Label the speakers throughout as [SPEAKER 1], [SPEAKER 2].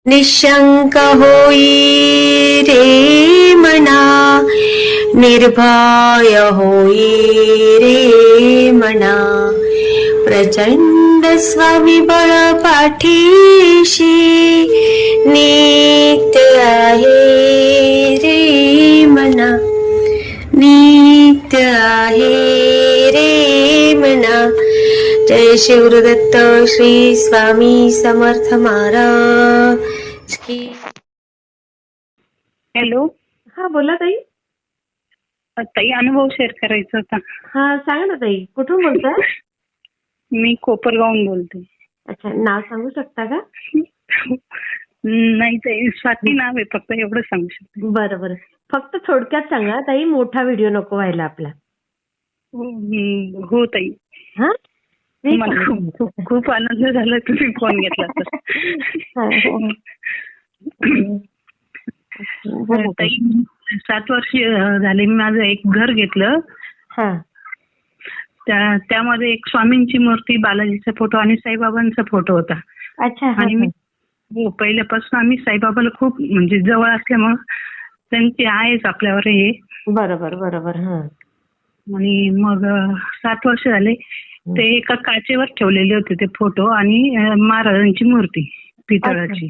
[SPEAKER 1] निशंक होई रे मना, निर्भय होई रे मना, प्रचंड स्वविबळ पाठीशी नित्य आहे रे मना, नित्य आहे रे मना. जय शिवदत्त श्री स्वामी समर्थ महाराज की.
[SPEAKER 2] हॅलो.
[SPEAKER 1] हा बोला ताई.
[SPEAKER 2] ताई, अनुभव शेअर करायचा होता.
[SPEAKER 1] हा सांगा ना ताई, कुठून बोलताय?
[SPEAKER 2] मी कोपरगावहून बोलते.
[SPEAKER 1] अच्छा, नाव सांगू शकता का?
[SPEAKER 2] नाही ताई, स्वाती नाव आहे, फक्त एवढं सांगू शकते.
[SPEAKER 1] बरं बरं, फक्त थोडक्यात सांगा ताई, मोठा व्हिडिओ नको व्हायला आपला.
[SPEAKER 2] हो ताई.
[SPEAKER 1] हा
[SPEAKER 2] मला खूप आनंद झाला तुम्ही फोन घेतला तर. ताई, 7 वर्ष झाले मी माझं एक घर घेतलं. त्यामध्ये एक स्वामींची मूर्ती, बालाजीचा फोटो आणि साईबाबांचा फोटो होता.
[SPEAKER 1] अच्छा.
[SPEAKER 2] आणि मी पहिल्यापासून आम्ही साईबाबाला खूप म्हणजे जवळ असल्यामुळं त्यांची आहेच आपल्यावर हे.
[SPEAKER 1] बरोबर बरोबर.
[SPEAKER 2] आणि मग 7 वर्ष झाले ते एका काचेवर ठेवलेले होते ते फोटो आणि महाराजांची मूर्ती पितळाची.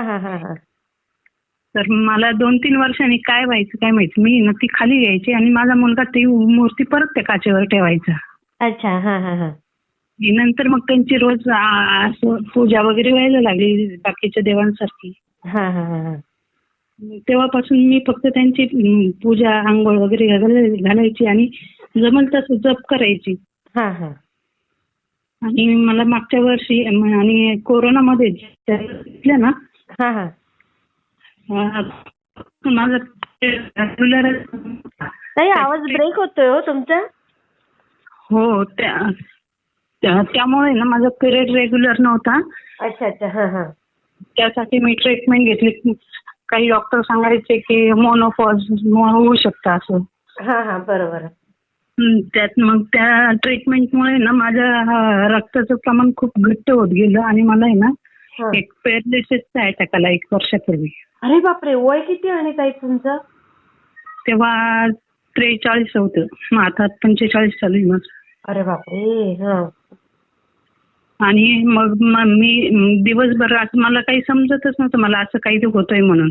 [SPEAKER 2] तर मला 2-3 वर्षांनी काय व्हायचं काय माहिती, मी ती खाली घ्यायची आणि माझा मुलगा ती मूर्ती परत त्या काचेवर ठेवायचा.
[SPEAKER 1] अच्छा.
[SPEAKER 2] नंतर मग त्यांची रोज असं पूजा वगैरे व्हायला लागली बाकीच्या देवांसारखी. तेव्हापासून मी फक्त त्यांची पूजा, आंघोळ वगैरे घालायची आणि जमल तसं जप करायची. आणि मला मागच्या वर्षी आणि कोरोनामध्ये घेतलं ना, माझा रेग्युलर.
[SPEAKER 1] ताई, आवाज ब्रेक होतोय हो तुमचा.
[SPEAKER 2] हो, त्यामुळे ना माझा पिरियड रेग्युलर नव्हता.
[SPEAKER 1] अच्छा.
[SPEAKER 2] त्यासाठी मी ट्रीटमेंट घेतली. काही डॉक्टर सांगायचे की मोनोपॉज होऊ शकतं असं.
[SPEAKER 1] बरोबर.
[SPEAKER 2] त्यात मग त्या ट्रीटमेंटमुळे ना माझ्या रक्ताचं प्रमाण खूप घट्ट होत गेलं आणि मला आहे ना एक पॅरालिसिसचा अटॅक आला 1 वर्षापूर्वी.
[SPEAKER 1] अरे बापरे, वय किती आहे ताई तुमचं?
[SPEAKER 2] तेव्हा 43 होतं, मग आता 45 चालू आहे माझं.
[SPEAKER 1] अरे बापरे.
[SPEAKER 2] आणि मग मी दिवसभर मला काही समजतच नव्हतं मला असं काही होतंय म्हणून.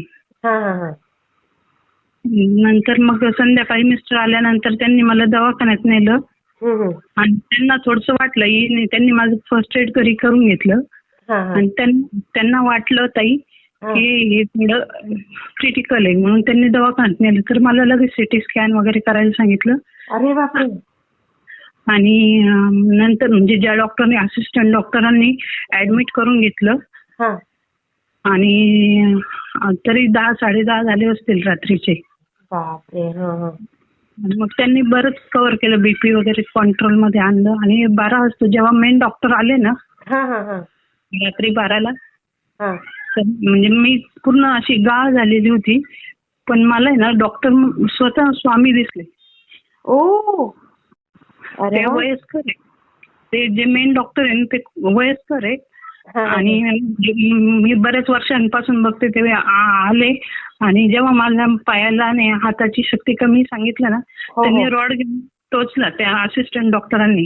[SPEAKER 2] नंतर मग संध्याकाळी मिस्टर आल्यानंतर त्यांनी मला दवाखान्यात नेलं आणि त्यांना थोडंसं वाटलं, त्यांनी माझं फर्स्ट एड घरी करून घेतलं आणि त्यांना वाटलं ताई की हे थोडं क्रिटिकल आहे म्हणून त्यांनी दवाखान्यात नेलं. तर मला लगेच सिटी स्कॅन वगैरे करायला सांगितलं.
[SPEAKER 1] अरे बापरे.
[SPEAKER 2] आणि नंतर म्हणजे ज्या डॉक्टरने, असिस्टंट डॉक्टरांनी ऍडमिट करून घेतलं. आणि तरी 10-10:30 झाले असतील रात्रीचे.
[SPEAKER 1] बापरे.
[SPEAKER 2] मग त्यांनी बरंच कव्हर केलं, बीपी वगैरे कंट्रोल मध्ये आणलं. आणि 12 वाजता जेव्हा मेन डॉक्टर आले ना, रात्री 12ला, म्हणजे मी पूर्ण अशी गाळ झालेली होती. पण मला आहे ना डॉक्टर स्वतः स्वामी दिसले. ते वयस्कर आहे, ते जे मेन डॉक्टर आहे ते वयस्कर आहे. आणि मी बऱ्याच वर्षांपासून बघते ते आले आणि जेव्हा माझ्या पायाला आणि हाताची शक्ती कमी सांगितलं ना, त्यांनी रॉड घेऊन टोचला त्या असिस्टंट डॉक्टरांनी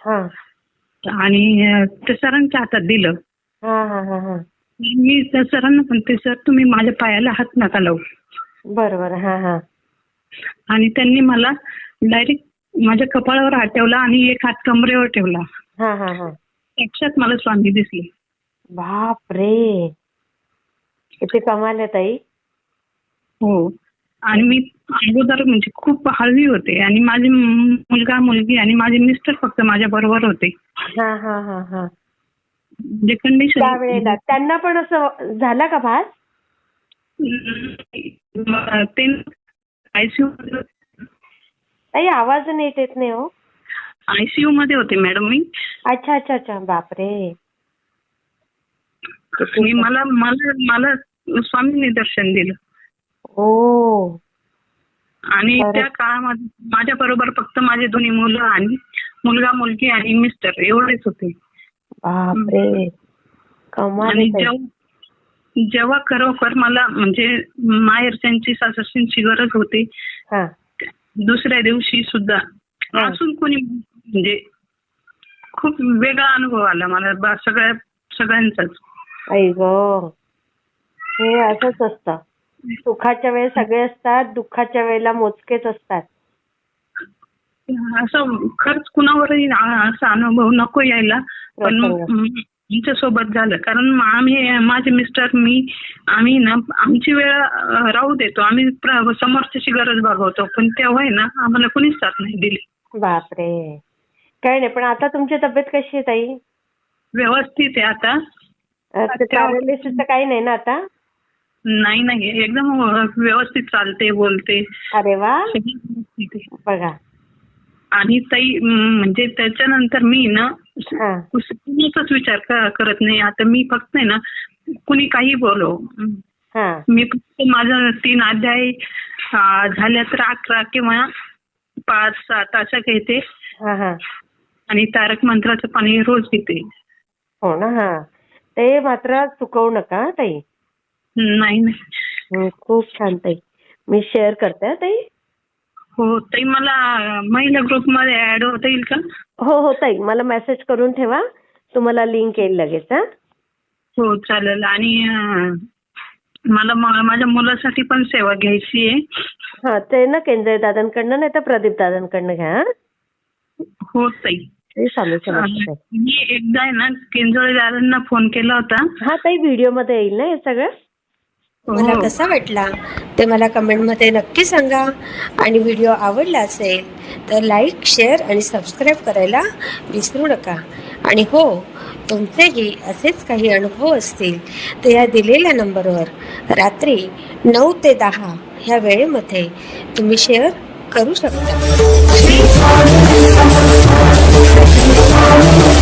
[SPEAKER 2] आणि ते सरांच्या हातात दिलं. मी त्या सरांना म्हणते, सर तुम्ही माझ्या पायाला हात नका लावू.
[SPEAKER 1] बरोबर.
[SPEAKER 2] आणि त्यांनी मला डायरेक्ट माझ्या कपाळावर हात ठेवला आणि एक हात कमरेवर ठेवला. साक्षात मला स्वामी दिसले.
[SPEAKER 1] बापरे, किती कमाल आहे ताई.
[SPEAKER 2] हो. आणि मी अगोदर म्हणजे खूप हळवी होते आणि माझे मुलगा, मुलगी आणि माझे मिस्टर फक्त माझ्या बरोबर होते. जे कंडिशन
[SPEAKER 1] त्यावेळेला त्यांना पण असं झाला का भास?
[SPEAKER 2] ते आयसीयू
[SPEAKER 1] ताई, आवाज नीट येत नाही हो.
[SPEAKER 2] आयसीयू मध्ये होते मॅडम मी.
[SPEAKER 1] अच्छा. बापरे.
[SPEAKER 2] मला स्वामींनी दर्शन दिलं. आणि त्या काळामध्ये माझ्या बरोबर फक्त माझे 2 मुलं आणि मुलगा, मुलगी आणि मिस्टर एवढेच होते.
[SPEAKER 1] बापरे, कमाल आहे.
[SPEAKER 2] जेव्हा खरोखर मला म्हणजे माहेरच्यांची सासरच्यांची गरज होती,
[SPEAKER 1] हा
[SPEAKER 2] दुसऱ्या दिवशी सुद्धा असून कोणी म्हणजे खूप वेगळा अनुभव आला मला सगळ्यांचाच.
[SPEAKER 1] आई गं, हे असंच असतं. सुखाच्या वेळेस सगळे असतात, दुःखाच्या वेळेला मोजकेच असतात.
[SPEAKER 2] असं खरंच कुणावरही असा अनुभव नको यायला, पण आमच्या सोबत झालं. कारण आम्ही माझे मिस्टर आम्ही ना आमची वेळ राहू देतो, आम्ही समोरच्याची गरज भागवतो, पण तेव्हा आहे ना आम्हाला कुणीच साथ नाही दिली.
[SPEAKER 1] बापरे, काही नाही. पण आता तुमची तब्येत कशी आहे ताई?
[SPEAKER 2] व्यवस्थित आहे आता.
[SPEAKER 1] पॅरालिसिसचं काही नाही ना आता?
[SPEAKER 2] नाही, एकदम व्यवस्थित चालते, बोलते.
[SPEAKER 1] अरे वा, बघा.
[SPEAKER 2] आणि ताई म्हणजे त्याच्यानंतर मी ना कुणाचाच विचार करत नाही आता. मी फक्त आहे ना कुणी काही बोलो, मी फक्त माझा 3 अध्याय झाल्या तर 11 किंवा 5-7 अशा घेते आणि तारक मंत्राचं पाणी रोज घेते.
[SPEAKER 1] हो ना. ते मात्र चुकवू नका ताई.
[SPEAKER 2] नाही.
[SPEAKER 1] खूप छान ताई. मी शेअर करते ताई.
[SPEAKER 2] हो ताई, मला महिला ग्रुपमध्ये ऍड होता येईल का?
[SPEAKER 1] हो ताई, मला मेसेज करून ठेवा, तुम्हाला लिंक येईल लगेच.
[SPEAKER 2] हो चालेल. आणि मला माझ्या मुलासाठी पण सेवा घ्यायची आहे.
[SPEAKER 1] हा, ते ना केंद्रे दादांकडनं नाही तर प्रदीप दादांकडनं घ्या.
[SPEAKER 2] हो ताई. मी एकदा आहे ना केंद्रे दादांना फोन केला होता.
[SPEAKER 1] हा ताई, व्हिडिओ मध्ये येईल ना हे सगळं.
[SPEAKER 3] मला कसा वाटला ते मला कमेंटमध्ये नक्की सांगा. आणि व्हिडिओ आवडला असेल तर लाईक, शेअर आणि सबस्क्राईब करायला विसरू नका. आणि हो, तुमचेही असेच काही अनुभव असतील तर या दिलेल्या नंबरवर रात्री 9 ते 10 ह्या वेळेमध्ये तुम्ही शेअर करू शकता.